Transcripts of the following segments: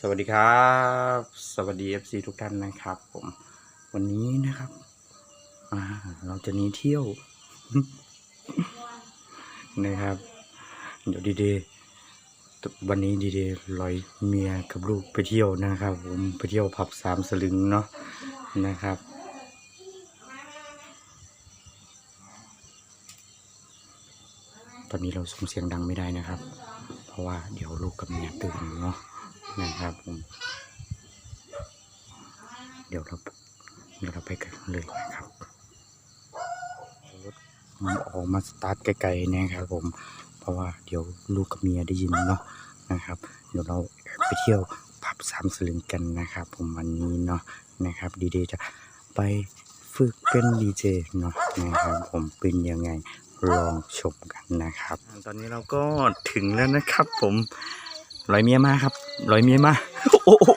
วัสดีครับสวัสดี FC ทุกท่านนะครับผมวันนี้นะครับเราจะหนีเที่ยว นะครับเดี๋ยวดีๆวันนี้ดีๆลอยเมียกับลูกไปเที่ยวนะครับผมไปเที่ยวผับ3 สลึงเนาะนะครับตอนนี้เราส่งเสียงดังไม่ได้นะครับเพราะว่าเดี๋ยวลูกกับเมียตื่นเนาะนะครับผมเดี๋ยวเราไปกันเลยนะครับมันออกมาสตาร์ทไกลๆนะครับผมเพราะว่าเดี๋ยวลูกกับเมียได้ยินเนาะนะครับเดี๋ยวเราไปเที่ยวผับ3 สลึงกันนะครับผมวันนี้เนาะนะครับดีๆจะไปฝึกเป็นดีเจเนาะนะครับผมเป็นยังไงลองชมกันนะครับตอนนี้เราก็ถึงแล้วนะครับผมลอยเมียมาครับลอยเมียมาโอ้โห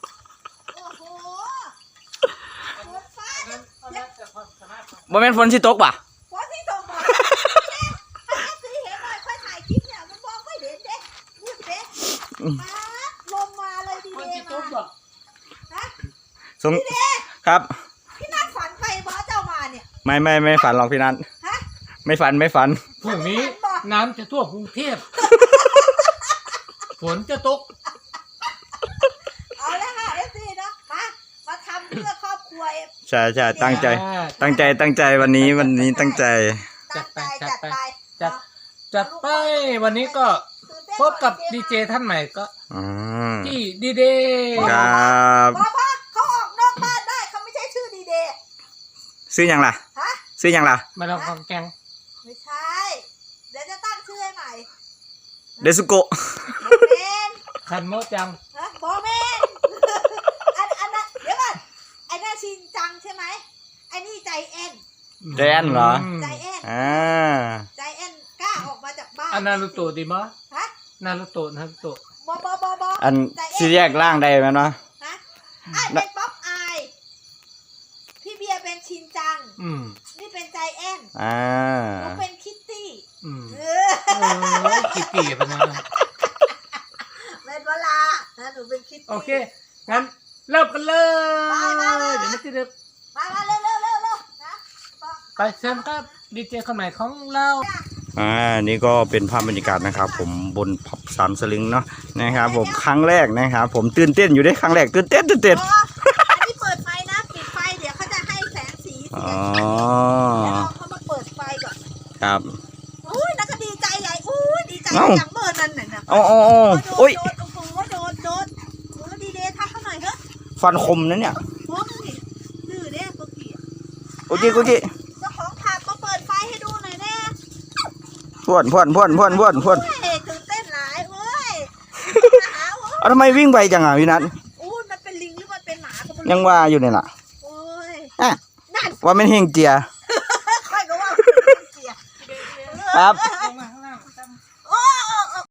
บ่แม่นฝนสิตกป่ะฝนสิตกป่ะสิเห็นหน่อยค่อยถ่ายคลิปเนี่ยมันมองไม่เห็นเด้พูดเด้ลมมาเลยดีเดมาฮะสมครับพี่นัทฝันไปบ่เจ้ามาเนี่ยไม่ฝันหรอกพี่นัทฮะไม่ฝันพรุ่งนี้น้ำจะท่วมกรุงเทพฝนจะตกเอาละค่ะเอฟซีนะมาทำเพื่อครอบครัวใช่ตั้งใจวันนี้ตั้งใจจัดไปวันนี้ก็พบกับดีเจท่านใหม่ก็ที่ดีเดย์ครับพ่อเขาออกนอกบ้านได้เขาไม่ใช่ชื่อดีเดย์ซื้อยังล่ะฮะซื้อยังล่ะมาลองของแกงไม่ใช่เดี๋ยวจะตั้งชื่อให้ใหม่เดซุโกะคันโมจังฮะบอเมนอันนั้นเดี๋ยวก่อนไอ้นั่นชินจังใช่ไหมไอ้นี่ใจแอนเหรอใจแอนใจแอนกล้าออกมาจากบ้านอันนารุโตะดีมั้ยฮะนารุโตะบอันซีแยกร่างได้ไหมเนาะฮะเป็นป๊อปอายพี่เบียร์เป็นชินจังนี่เป็นใจแอนหนูเป็นคิตตี้คิตตี้ปะนะเป็นเวลาหนูเป็นคิตตี้โอเคงั้นเริ่มกันเลยเดี๋ยวไม่ติดดึกมาเร็วนะไปเชิญครับดีเจคนใหม่ของเรานี่ก็เป็นภาพบรรยากาศนะครับผมบนผับ3 สลึงเนาะนะครับผมครั้งแรกนะครับผมตื่นเต้นอยู่ได้ครั้งแรกตื่นเต้นอันนี้เปิดไฟนะปิดไฟเดี๋ยวเขาจะให้แสงสีเดี๋ยวเขามาเปิดไฟก่อนครับอุ้ยนักก็ดีใจใหญ่อุ้ยดีใจอย่างเบอร์นั่นน่ะโอ้ยโดนดีเดย์ทักเขาหน่อยเถอะฟันคมนะเนี่ยดื้อเด้กุกี้โอเคเจ้าของผับมาเปิดไฟให้ดูหน่อยแน่พ่วนตื่นเต้นหลายเว้ยเอาทำไมวิ่งไปจังอ่ะพี่นัทมันเป็นลิงหรือมันเป็นหมายังว่าอยู่เนี่ยล่ะโอ้ยว่าไม่เฮงเจียค่อยก็ว่าเจียครับ